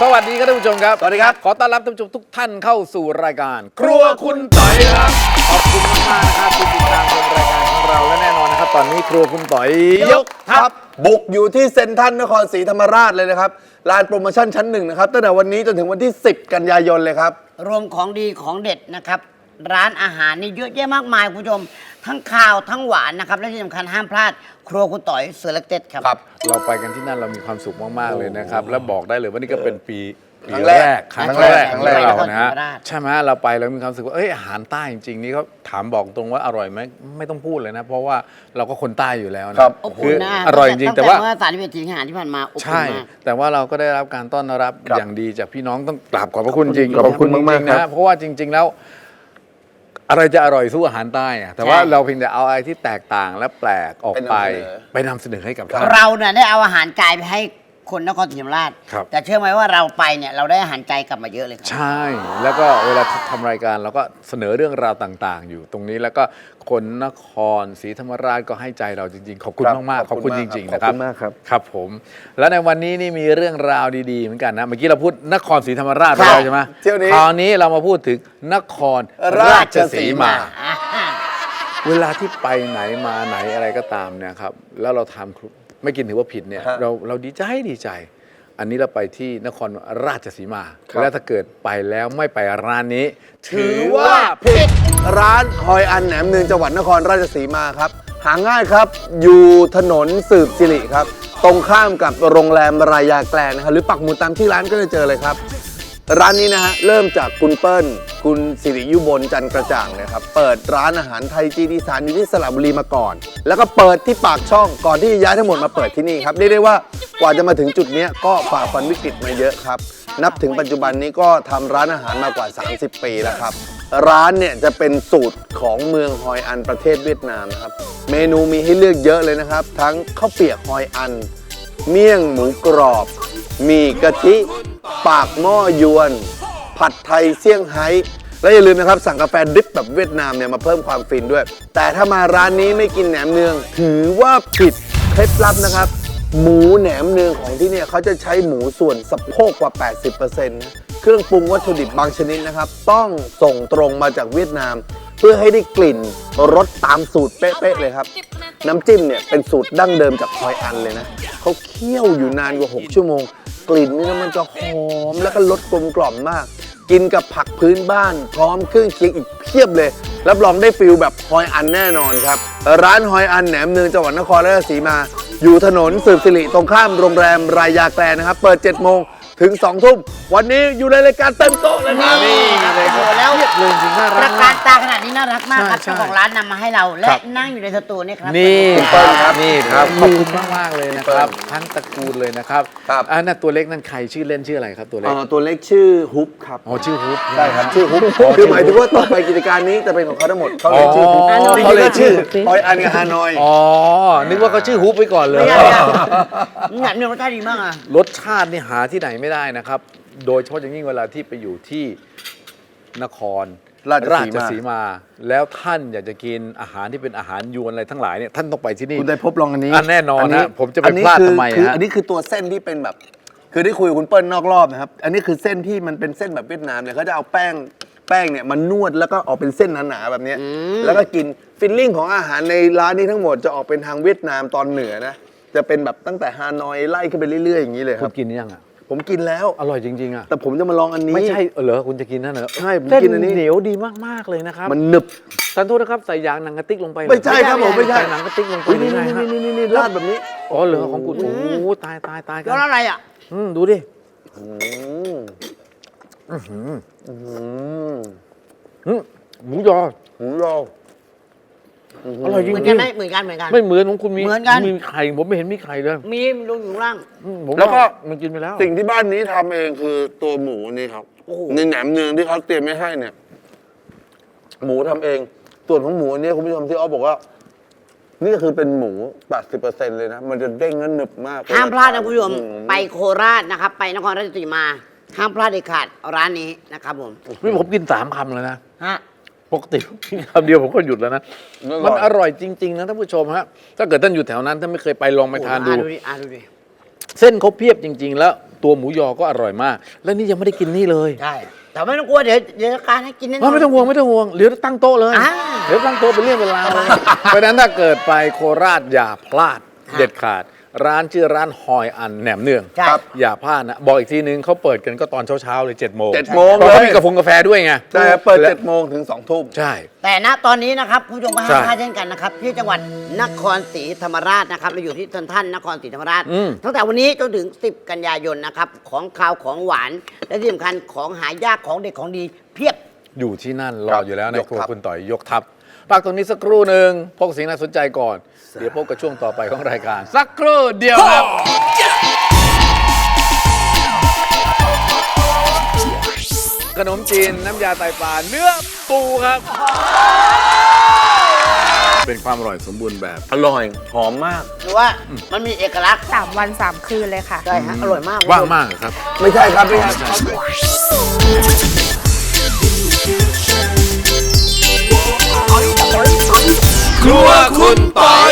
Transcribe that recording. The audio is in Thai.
สวัสดีครับท่านผู้ชมครับสวัสดีครับขอต้อนรับท่านผู้ชมทุกท่านเข้าสู่รายการครัวคุณต่อยครับขอบคุณมากๆนะครับที่ติดตามชมรายการของเราและแน่นอนนะครับตอนนี้ครัวคุณต่อยยกทัพบุกอยู่ที่เซ็นทรัลนครศรีธรรมราชเลยนะครับลานโปรโมชั่นชั้น 1นะครับตั้งแต่วันนี้จนถึงวันที่ 10 กันยายนเลยครับรวมของดีของเด็ดนะครับร้านอาหารนี่เยอะแยะมากมายคุณผู้ชมทั้งข้าวทั้งหวานนะครับและที่สำคัญห้ามพลาดครัวคุณต่อยเสือเล็กเต็ดครับเราไปกันที่นั่นเรามีความสุขมากๆเลยนะครับและบอกได้เลยว่านี่ก็เป็นปีครั้งแรกครั้งแรกครั้ของงแรกเรานะฮะครั้งแรกใช่ไหมเราไปเรามีความรู้สึกว่าอาหารใต้จริงๆนี่เขาถามบอกตรงว่าอร่อยไหมไม่ต้องพูดเลยนะเพราะว่าเราก็คนใต้อยู่แล้วนะครับอบคือุ่นอนะอร่อยจริงๆแต่ว่าเมื่อ30 สิงหาที่ผ่านมาอบอุ่นใช่มากแต่ว่าเราก็ได้รับการต้อนรับครับอย่างดีจากพี่น้องต้องกราบขอบพระคุณจริงขอบคุณมากๆจริงๆครันะบเพราะว่าจริง ๆ แล้ว อะไรจะอร่อยสู้อาหารใต้อะแต่ว่าเราเพียงแต่เอาอะไรที่แตกต่างและแปลกออกไปนำเสนอให้กับท่านเราเนี่ยได้เอาอาหารกายไปให้คนนครศรีธรรมราชครับแต่เชื่อไหมว่าเราไปเนี่ยเราได้อาหารใจกลับมาเยอะเลยครับใช่ แล้วก็เวลาทำรายการเราก็เสนอเรื่องราวต่างๆ อยู่ตรงนี้แล้วก็คนนครศรีธรรมราชก็ให้ใจเราจริงๆ ขอบคุณครับมากๆ ขอบคุณจริงๆ นะครับขอบคุณมากครับครับผม แล้วในวันนี้นี่มีเรื่องราวดีๆเหมือนกันนะ เมื่อกี้เราพูดนครศรีธรรมราชไปครับแล้วใช่ไหมเที่ยวนี้คราวนี้เรามาพูดถึงนครราชสีมา เวลาที่ไปไหนมาไหนอะไรก็ตามเนี่ยครับแล้วเราทำไม่กินถือว่าผิดเนี่ยฮะเราดีใจ อันนี้เราไปที่นครราชสีมาครับแล้วถ้าเกิดไปแล้วไม่ไปร้านนี้ถือว่าผิดร้านฮอยอันแหนมเนืองจังหวัดนครราชสีมาครับหาง่ายครับ อยู่ถนนสืบสิริครับ ตรงข้ามกับโรงแรมรายาแกลนนะครับหรือปักหมุดตามที่ร้านก็จะเจอเลยครับ ร้านนี้นะฮะเริ่มจากคุณเปิ้ลคุณสิริยุบลจันทร์กระจ่างนะครับเปิดร้านอาหารไทยจีนอีสานอยู่ที่สระบุรีมาก่อน แล้วก็เปิดที่ปากช่องก่อนที่จะย้ายทั้งหมดมาเปิดที่นี่ครับเรียกได้ว่ากว่าจะมาถึงจุดเนี้ยก็ฝ่าฟันวิกฤตมาเยอะครับนับถึงปัจจุบันนี้ก็ทำร้านอาหารมากว่า 30 ปีแล้วครับร้านเนี่ยจะเป็นสูตรของเมืองฮอยอันประเทศเวียดนามนะครับเมนูมีให้เลือกเยอะเลยนะครับทั้งข้าวเปียกฮอยอัน เมี่ยงหมูกรอบหมี่กะทิ ปากหม้อยวน ผัดไทยเซี่ยงไฮ้และอย่าลืมนะครับสั่งกาแฟดริปแบบเวียดนามเนี่ยมาเพิ่มความฟินด้วย แต่ถ้ามาร้านนี้ไม่กินแหนมเนือง ถือว่าผิดเคล็ดลับนะครับ หมูแหนมเนืองของที่เนี่ยเขาจะใช้หมูส่วนสะโพกกว่า 80%นะเครื่องปรุงวัตถุดิบบางชนิดนะครับ ต้องส่งตรงมาจากเวียดนาม เพื่อให้ได้กลิ่นรสตามสูตรเป๊ะๆเลยครับ น้ำจิ้มเนี่ยเป็นสูตรดั้งเดิมจากฮอยอันเลยนะเขาเคี่ยวอยู่นานกว่า 6 ชั่วโมง กลิ่นนี่นะมันจะหอมแล้วก็รสกลมกล่อมมาก กินกับผักพื้นบ้าน พร้อมเครื่องเคียงอีกเพียบเลย รับรองได้ฟิลแบบฮอยอันแน่นอนครับ ร้านฮอยอันแหนมเนืองจังหวัดนครราชสีมา อยู่ถนนสืบสิริตรงข้ามโรงแรมรายาแกลนนะครับ เปิด 7 โมงถึง 2 ทุ่ม วันนี้อยู่ในรายการเต็มโต๊ะเลยครับนี่เลยครับแล้วเรียบเลยจริงๆน่าปรัระกกามาร กตาขนาดนี้น่ารักมากครับใช่เจ้าของร้านนำมาให้เราและครับนั่งอยู่ในสตูนี่ครับนี่คุณเปิ้ลครับนี่ครับขอบคุณมากๆเลยนะครับทั้งตระกูลเลยนะครับครับอันนั้นตัวเล็กนั่นใครชื่อเล่นชื่ออะไรครับตัวเล็กตัวเล็กชื่อฮุบครับอ๋อชื่อฮุบใช่ครับชื่อฮุบคือหมายถึงว่าต่อไปกิจการนี้จะเป็นของเขาทั้งหมดเขาเลยชื่อฮุบอ๋อเขาเลยชื่อฮอยอันกับฮานอยอ๋อนึกว่าเขาชื่อฮุบไว้ก่อนเลยไม่ใช่แหนมเนืองรสชาติดีมากอ่ะรสชาตินี่หาที่ไหนไม่ได้นะครับ โดยเฉพาะอย่างยิ่งเวลาที่ไปอยู่ที่นครราชสีมาแล้วท่านอยากจะกินอาหารที่เป็นอาหารยวนอะไรทั้งหลายเนี่ยท่านต้องไปที่นี่คุณได้พบลองอันนี้แน่นอนนะผมจะไปพลาดทำไมคือฮะอันนี้คือตัวเส้นที่เป็นแบบ คือได้คุยกับคุณเปิ้ลนอกรอบนะครับ อันนี้คือเส้นที่มันเป็นเส้นแบบเวียดนามเนี่ยเขาจะเอาแป้งเนี่ยมันนวดแล้วก็ออกเป็นเส้นหนาๆแบบเนี้ยแล้วก็กินฟิลลิ่งของอาหารในร้านนี้ทั้งหมดจะออกเป็นทางเวียดนามตอนเหนือนะจะเป็นแบบตั้งแต่ฮานอยไล่ขึ้นไปเรื่อยๆอย่างนี้เลยคคุรัณบกินยังอ่ะผมกินแล้วอร่อยจริงๆอ่ะแต่ผมจะมาลองอันนี้ไม่ใช่เหรอคุณจะกินนั่นเหรอใช่ผมเส้นกินอันนี้เหนียวดีมากๆเลยนะครับมันหนึบท่านโทษนะครับใส่ยางหนังกระติกลงไปเหรอไม่ใช่ครับผมไม่ใช่ใส่หนังกระติกลงไปอุ๊ยหรืนี่อไงฮะนี่ราดแบบนี้อ๋อเหรอของคุณโอ้โหตายกัแล้วอะไรอ่ะดูดิอืมหมูยอหมูยออร่อยจเหมือนริกันงไหมเหมือนกันเหมือนกันๆไม่เหมือนของคุณมีเหมือนกันมีไข่ผมไม่เห็นมีไข่เลยมีลงอยู่ข้างล่างผมแล้วก็มันกินไปแล้วสิ่งที่บ้านนี้ทำเองคือตัวหมูนี่ครับในแหนมเนืองที่เขาเตรียมไม่ให้เนี่ย หมูทำเอง ส่วนของหมูอันนี้คุณผู้ชมที่อ้อบอกว่า นี่ก็คือเป็นหมู 80% เลยนะ มันจะเด้งและหนึบมากห้ามพลาดนะคุณผู้ชมอืไปโคราชนะครับ ไปนครราชสีมาห้ามพลาดเด็ดขาดร้านนี้นะครับผมนี่ผมกิน3 คำแล้วนะฮะปกติผมกินคำเดียวผมก็หยุดแล้วนะ มันอร่อยจริง ๆ นะท่านผู้ชมฮะถ้าเกิดท่านอยู่แถวนั้นท่านไม่เคยไปลองไปทานดูดูดิเส้นเขาเพียบจริง ๆ แล้วตัวหมูยอก็อร่อยมาก และนี่ยังไม่ได้กินนี่เลยใช่แต่ไม่ต้องกลัวเดี๋ยวการให้กินแน่นอนไม่ต้องห่วงไม่ต้องห่วงเดี๋ยวตั้งโต๊ะเลยอ่าเดี๋ยวตั้งโต๊ะเป็นเรื่องเป็นราวเลยเพราะฉะนั้นถ้าเกิดไปโคราชอย่าพลาดค่ะเด็ดขาด ร้านชื่อร้านฮอยอันแหนมเนืองใช่อย่าพลาดนะบอกอีกทีนึงเขาเปิดกันก็ตอนเช้าๆเลย7 โมง 7 โมงเพราะเขาเลยมีกาแฟด้วยไงแต่เปิด7 โมงถึง 2 ทุ่มใช่แต่ณตอนนี้นะครับคุณผู้ชมก็ใช่ห้ามพลาดเช่นกันนะครับที่จังหวัดนครศรีธรรมราชนะครับเราอยู่ที่ท่านนครศรีธรรมราช ตั้งแต่วันนี้จนถึง 10 กันยายนนะครับของคาวของหวาน และที่สำคัญของหายากของเด็ดของดีเพียบอยู่ที่นั่นรครัอบ อยู่แล้วในยกครัวทัพคุณต่อยยกทัพพักตรงนี้สักครู่หนึ่งพวกสิ่งน่าสนใจก่อน เดี๋ยวพบกับช่วงต่อไปของรายการ สักครู่เดียวครับ ขนมจีนน้ำยาไตปลาเนื้อปูครับ เป็นความอร่อยสมบูรณ์แบบอร่อยหอมมากหรือว่ามันมีเอกลักษณ์ 3 วัน 3 คืนเลยค่ะใช่ฮะอร่อยมากว่างมากเหรอครับไม่ใช่ครับไม่ใช่ครัวคุณต่อย